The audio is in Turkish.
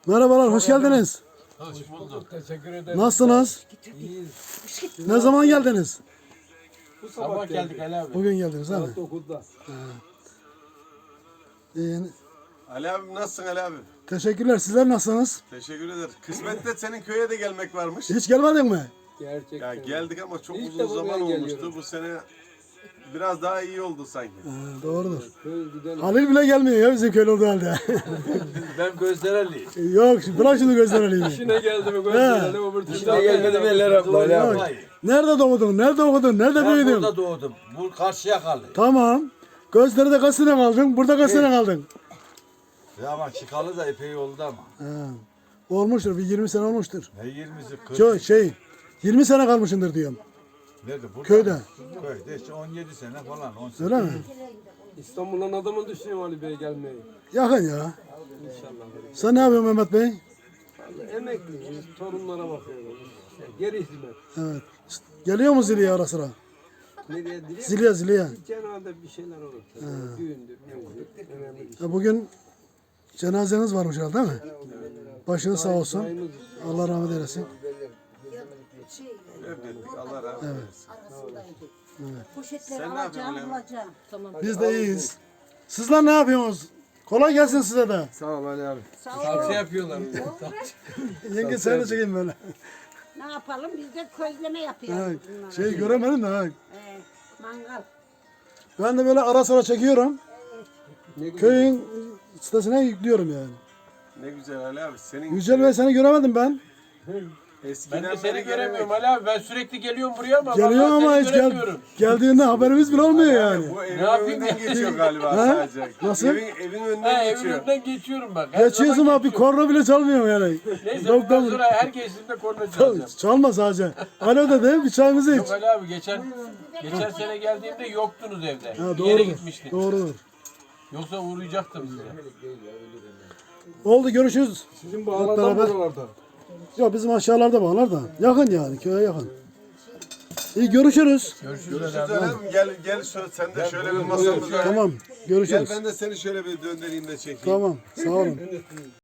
Merhabalar, hoş geldiniz. Hoş bulduk. Teşekkür ederim. Nasılsınız? İyiyiz. Ne zaman geldiniz? Bu Sabah geldik Ali abi. Bugün geldiniz değil mi? Saat 9'da. İyi. Ali abi nasılsın Ali abi? Teşekkürler. Sizler nasılsınız? Teşekkür ederim. Kısmette senin köye de gelmek varmış. Hiç gelmedin mi? Gerçekten. Ya geldik ama çok İlk uzun defa zaman ben olmuştu. geliyorum. Bu sene biraz daha iyi oldu sanki. Doğrudur. Köy güzel. Halil bile gelmiyor ya bizim köylü olduğu halde. Ben Gözdereliyim. Yok, bırak şimdi gözler Ali'yi. İşine geldi mi gösterelim öbür türlü. İşine gelmedi mi eller abla Ali abi. Nerede doğdun? Nerede okudun? Nerede Ben büyüdün? burada doğdum. Bu karşıya kaldı. Tamam. Gözleri kaç sene kaldın? Burada kaç sene kaldın? Ya ama çıkalı da epey oldu ama. Ha. Olmuştur. Bir 20 sene olmuştur. Ne 20'si 40. 20 sene kalmışındır diyorum. Nerede? Burada Köyde. mı? Köyde işte 17 sene falan. 18. Öyle mi? İstanbul'dan adamın düşünüyor Ali Bey gelmeyi. Yakın ya. İnşallah. Sen ne yapıyorsun Mehmet Bey? Vallahi emekliyiz. Torunlara bakıyoruz. İşte geri hizmet. Evet. Geliyor mu Ziliye ara sıra? Nereye direkt? Ziliye. Cenazede bir şeyler olur. Düğündür, müzdür. Önemli bir şey. Ya bugün cenazeniz varmış herhalde değil mi? Başınız sağ olsun. Dayımız Allah rahmet eylesin. Evlendik. Allah razı olsun. Poşetleri Sen ne yapıyorsun alacağım, Levent? alacağım. Tamam. Biz de iyiyiz. Sizler ne yapıyorsunuz? Kolay gelsin size de. Sağ ol Ali abi. Sağ ol. Salça yapıyorlar. Yenge sen de çekeyim böyle. Ne yapalım? Biz de közleme yapıyoruz. Ha, bunlara. şey göremedim de ha. Mangal. Ben de böyle ara sıra çekiyorum. Ne güzel. Köyün sitesine yüklüyorum yani. Ne güzel Ali abi. Senin Yücel Bey seni göremedim ben. eskiden Ben de beri seni gelemek. göremiyorum Ali abi. Ben sürekli geliyorum buraya ama Geliyor vallahi ama seni hiç göremiyorum. geldiğinde haberimiz bile olmuyor yani. Bu evin yapayım önünden ya? geçiyor galiba Ha? sadece. Nasıl? Evin Ha, önünden evin geçiyor. önünden geçiyorum bak. Her Geçiyorsun zaman ama bir geçiyorum. korna bile çalmıyor yani. Neyse Yok bundan da sonra her geçtiğimde korna çalacağım. çalma sadece. Alo dedi bir çayımızı iç. Yok Ali abi geçen sene geldiğimde yoktunuz evde. Ha, Bir yere doğrudur. gitmiştiniz. Doğrudur. Yoksa uğrayacaktım size. Oldu görüşürüz. Sizin bağlardan beraber. buralarda. Yok bizim aşağılarda bağlar da. Yakın yani köye yakın. İyi görüşürüz. Görüşürüz Ali abi. Gel sen de şöyle bir masamıza. Tamam Gel görüşürüz. ben de seni şöyle bir döndüreyim de çekeyim. Tamam sağ olun.